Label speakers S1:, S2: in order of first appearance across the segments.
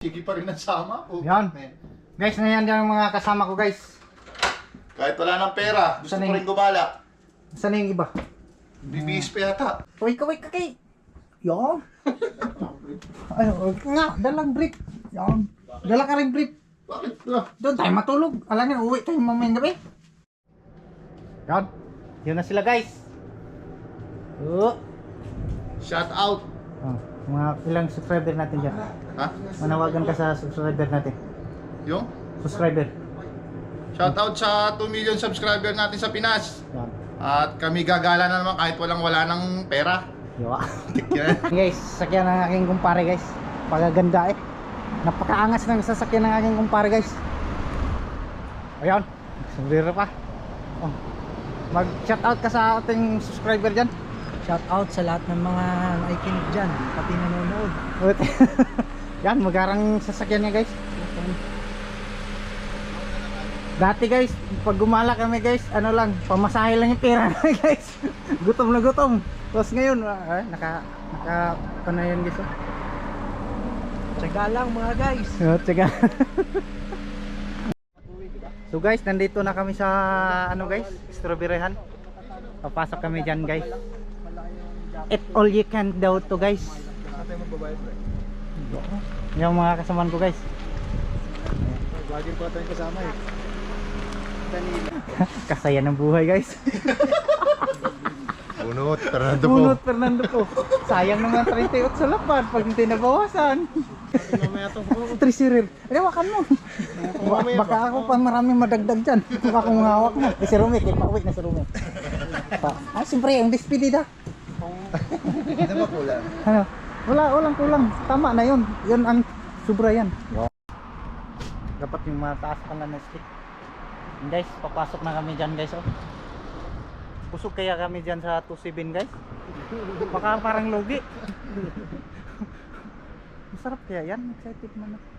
S1: Sige pa rin ang sama. Oh,
S2: Yan.
S1: man.
S2: Guys, nayan yung mga kasama ko guys.
S1: Kahit wala ng pera, gusto
S2: Saan
S1: ko
S2: yung-
S1: rin gumala.
S2: Saan na yung iba?
S1: Bibihis pa yata.
S2: Kaway kay. Yan. Ay, nga, dalang brief. Yan. Dala ka rin brief.
S1: Bakit?
S2: Doon tayo matulog. Alam niyo, uwi tayo mamayang gabi. Yan. Yun na sila guys. Oh.
S1: Shout out.
S2: Oh, mga ilang subscriber natin dyan.
S1: Ha?
S2: Manawagan ka sa subscriber natin.
S1: Yung?
S2: Subscriber.
S1: Shout out sa 2 million subscriber natin sa Pinas.
S2: Yan.
S1: At kami gagala na naman kahit wala ng pera.
S2: Yawa.
S1: Yan.
S2: Guys, sasakyan ng aking kumpare guys. Pagaganda eh. Napakaangas ng sasakyan ng aking kumpare guys. Ayan. Sumbrero pa. Oh. Mag shout out ka sa ating subscriber dyan.
S3: Shout out sa lahat ng mga nakikinig dyan, pati nanonood.
S2: Yan, magarang sasakyan niya guys. Dati guys, pag gumala kami guys, ano lang, pamasahe lang yung pera namin guys. Gutom na gutom. Tapos ngayon, naka ano yun guys.
S3: Tsaga lang mga guys.
S2: Tsaga. So guys, nandito na kami sa ano guys, strawberryhan. Papasok kami dyan guys. Eat all you can daw to guys. Yung mga kasamaan ko guys.
S1: Bagay pa tayong kasama eh.
S2: Kasaya ng buhay guys.
S1: Bunot, Fernando po.
S2: Bunot Fernando po. Sayang naman 38 sa lapad pag hindi nabawasan. Trisirir. Hawakan mo. Baka ako pa maraming madagdag dyan. Kung akong hawak mo. Si Rumi, pauwi na si Rumi. Siyempre yung despedida.
S1: Hindi na kulang.
S2: Ano? Walang kulang. Tama na yun. Yun ang sobra yan. Dapat yung mataas pala na stick. Guys, papasok na kami dyan guys. Oh. Busog kaya kami dyan sa 27 guys. Baka parang lugi. Masarap kaya yan. Excited man ako.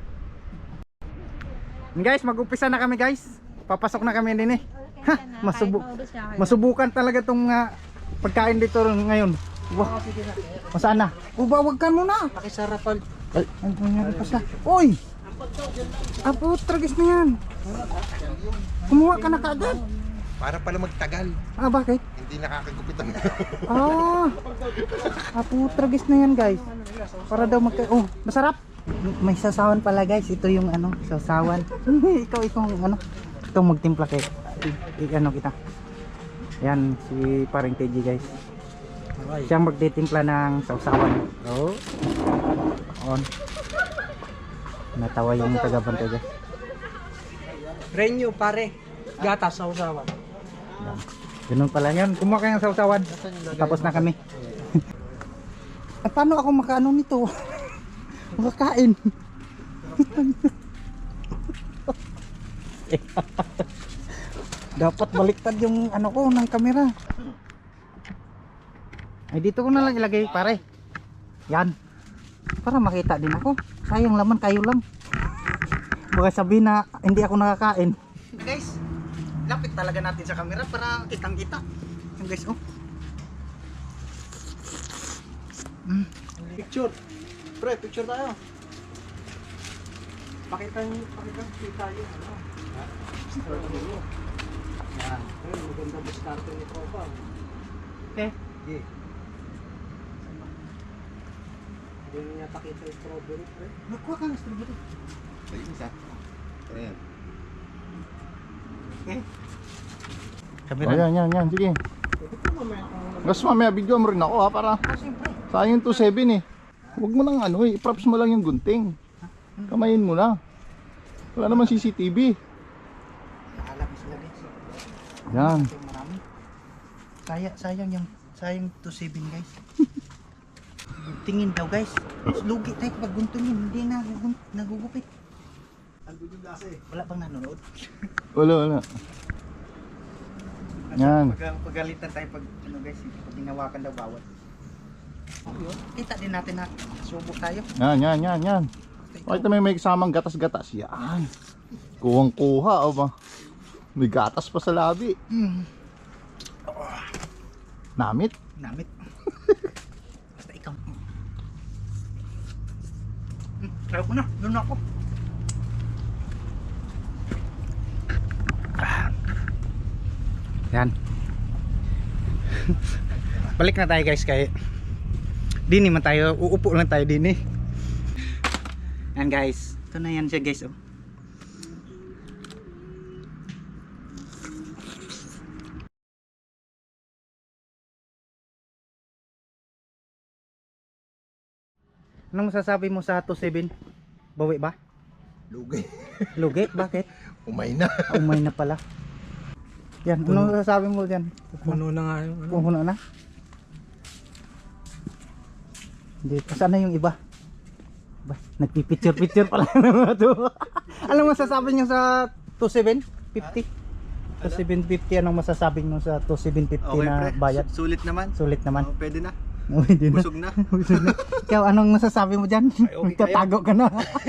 S2: Guys, mag-upisa na kami guys. Papasok na kami din eh. Ha, masubukan talaga tong pagkain dito ngayon. Wow. Masaan na? Wag ka muna.
S3: Pakisarapan.
S2: Ay, ano nangyari pa siya? Uy! Apo, tragis na yan. Kumuha ka na kaagad.
S1: Para pala magtagal.
S2: Bakit?
S1: Hindi nakakagupit ang
S2: Apo, tragis na yan guys. Para daw oh, masarap. May sasawan pala guys. Ito yung ano, sasawan. ikaw ano. Ito magtimpla kay ano kita. Yan si paring TG guys. Siyang magtitimpla ng sausawan. Oh. On. Natawa yung taga-bantay guys.
S3: Renyo pare, gatas sa usawan.
S2: Yan. Ganun pala yun. Kumuha kayo ng sausawan. Tapos na kami. Paano ako makaano nito? Makakain. Dapat baliktad yung ano ko ng kamera. Ay dito ko na lang ilagay pare. Yan. Para makita din ako. Sayang laman kayo lang. Baka sabihin na hindi ako nakakain. Guys, lapit talaga natin sa camera para kitang kita. Yung guys, oh.
S3: Picture. Pre, picture tayo. Pakita tayo. Ano? Strawberry. Yan. Ayun, maganda discarte ni Tropa.
S2: Okay.
S3: Yeah. Hindi niya pakita yung strawberry, pre.
S2: Nakuha ka ng strawberry.
S1: Ayun isa. Ayan.
S2: Okay.
S1: Oh, yan. Sige. Gusto mamaya video mo rin ako ha, para sayang yung 27 eh. Huwag mo nang ano eh, props mo lang yung gunting. Kamayin mo na. Wala naman CCTV.
S2: Nakalap sila guys.
S1: Yan.
S2: Marami. Sayang 27 guys. Tingin daw guys. Lugi tayo kapag guntungin. Hindi na nagugupit. Wala bang nanonood?
S1: Wala. Yan.
S2: Pagalitan tayo pag ano guys, pag hinawakan daw bawal. Kita din natin na subo tayo.
S1: Yan. Bakit may kasamang gatas-gatas? Yan. Kuhang-kuha o ba? May gatas pa sa labi. Namit?
S2: Basta ikaw. Ayaw ko na, doon ako. Yan. Balik na tayo guys kay Dini man tayo, uupo lang tayo Dini. Yan guys, ito na yan siya guys oh. Anong masasabi mo sa 27? Bawi ba?
S1: Lugi.
S2: Lugi? Bakit?
S1: Umay na.
S2: Umay na pala. Yan, anong masasabi mo dyan?
S3: Puno na nga yung ano.
S2: Puno na? Hindi, saan na yung iba? Ba, nagpipicture-picture pala ng mga to. Anong masasabi nyo sa 27? 50? 2750, anong masasabi nyo sa 2750 na bayad?
S1: Sulit naman.
S2: Sulit naman.
S1: Oh, pwede na.
S2: Hindi na.
S1: Busog na.
S2: Busog na. Ikaw, anong masasabi mo dyan? Tatago ka na.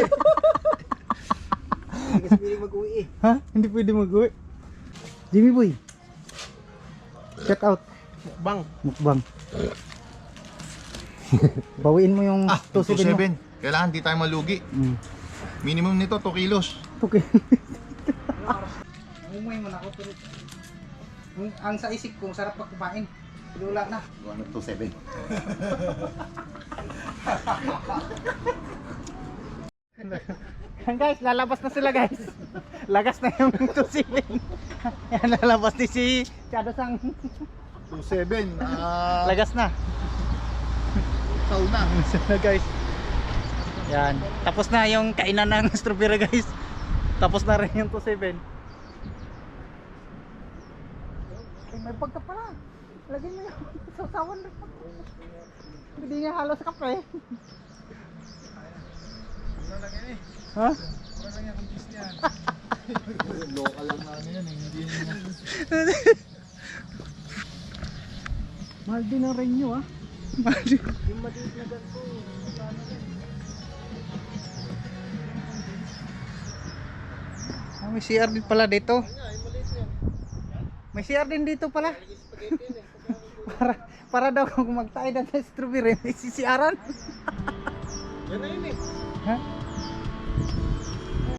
S1: Hindi kasi pwede mag-uwi eh.
S2: Ha? Hindi pwede mag-uwi. Jimmy Boy, check out.
S3: Mukbang.
S2: Mukbang. Bawiin mo yung 27 mo.
S1: 2.7. Kailangan di tayo malugi. Minimum nito 2 kilos.
S2: Okay. Umay mo na ako pero ang sa isip ko sarap pa kumain. Pero wala na.
S1: 2.7.
S2: Yan guys, lalabas na sila guys. Lagas na yung 27. Yan, lalabas ni si Chadosang.
S1: 2.7.
S2: Lagas na.
S1: Sauna.
S2: Sana guys. Yan. Tapos na yung kainan ng strawberry guys. Tapos na rin yung 27. Ay, may pagka pala. Lagyan mo yung sasawan rin. Hindi niya halos kape. Ha?
S1: Local lang na ano yan eh. Hindi yan.
S2: Mahal din ang renyo ah. Mahal din. Yung maliit na ganito. May CR din pala dito. May CR din dito pala. para daw kung magtayo na sa strawberry, may CCR-an.
S1: Yan na yun eh.
S2: Ha?